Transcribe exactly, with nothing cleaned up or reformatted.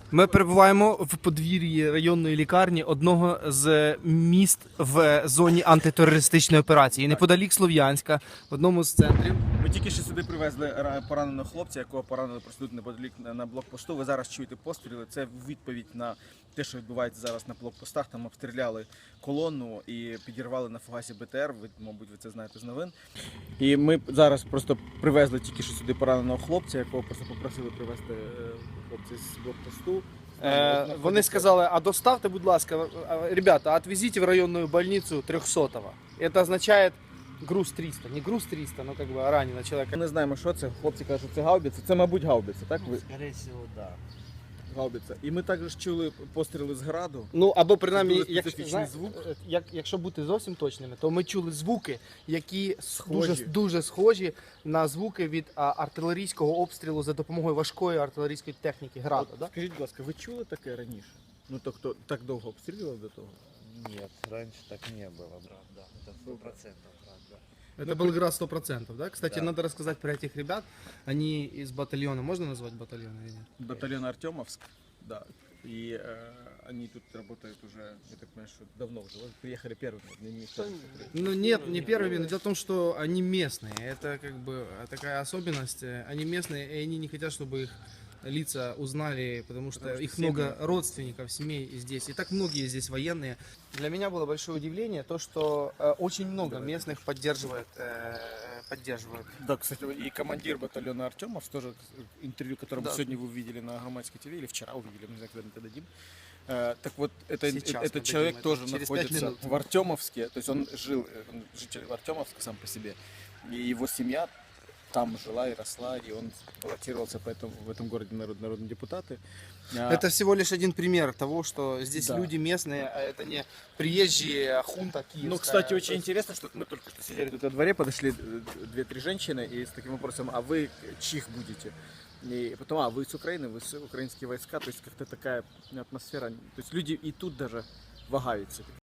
Ми перебуваємо в подвір'ї районної лікарні одного з міст в зоні антитерористичної операції. Неподалік Слов'янська, в одному з центрів. Ми тільки що сюди привезли ра- пораненого хлопця, якого поранили просто тут неподалік на- на блокпосту. Ви зараз чуєте постріли. Це відповідь на те, що відбувається зараз на блокпостах. Там обстріляли колону і підірвали на фугасі БТР. Ви, мабуть, ви це знаєте з новин. І ми зараз просто привезли тільки що сюди пораненого хлопця, якого просто попросили привезти е, хлопця з блокпосту. Е, вони сказали, а доставте, будь ласка, а, ребята, отвезите в районную больницу трехсотого. Это означает груз триста. Не груз триста, но как бы ранено человека. Ми не знаємо, що це. Хлопці кажуть, що це гаубиця. Це, мабуть, гаубиця, так? Ви... Скорее всего, да. Гаубиця. І ми також чули постріли з граду. Ну, або принаймні, Дуже як, специфічний зна- звук. е, як, якщо бути зовсім точними, то ми чули звуки, які Схожі. дуже, дуже схожі на звуки від а, артилерійського обстрілу за допомогою важкої артилерійської техніки граду. От Да? скажіть, будь ласка, ви чули таке раніше? Ну, то хто так довго обстрілював до того? Нет, раньше так не было, брат, да. Это сто процентов, брат, да. Это был град сто процентов, да? Кстати, Да. надо рассказать про этих ребят. Они из батальона, можно назвать батальон или нет? Батальон Артемовск, да. И э, они тут работают уже, я так понимаю, что давно уже. Вот приехали первыми. Не, не скажу, что при- Ну нет, не первыми, но дело в том, что они местные. Это как бы такая особенность. Они местные, и они не хотят, чтобы их лица узнали, потому что, Потому что их семьи. много родственников, семей здесь. И так многие здесь военные. Для меня было большое удивление то, что э, очень много Давай. местных поддерживает, э, поддерживает. Да, кстати, и командир батальона Артемовск, тоже интервью, которое Да. сегодня вы увидели на Громадской ТВ, или вчера увидели, не знаю, когда мы это дадим. Э, Так вот, это, Сейчас этот мы человек дадим это тоже через пять находится минут. в Артемовске, то есть он жил, э, он житель Артемовска сам по себе, и его семья там жила и росла, и он баллотировался поэтому в этом городе народ, народные депутаты. А, Это всего лишь один пример того, что здесь Да. люди местные, а это не приезжие хунта киевская. Ну, кстати, То очень есть- интересно, что мы только что сидели тут во дворе, подошли э, две-три женщины и с таким вопросом, а вы чих будете? И потом, а вы с Украины, вы с украинские войска, то есть как-то такая атмосфера, то есть люди и тут даже вагаются.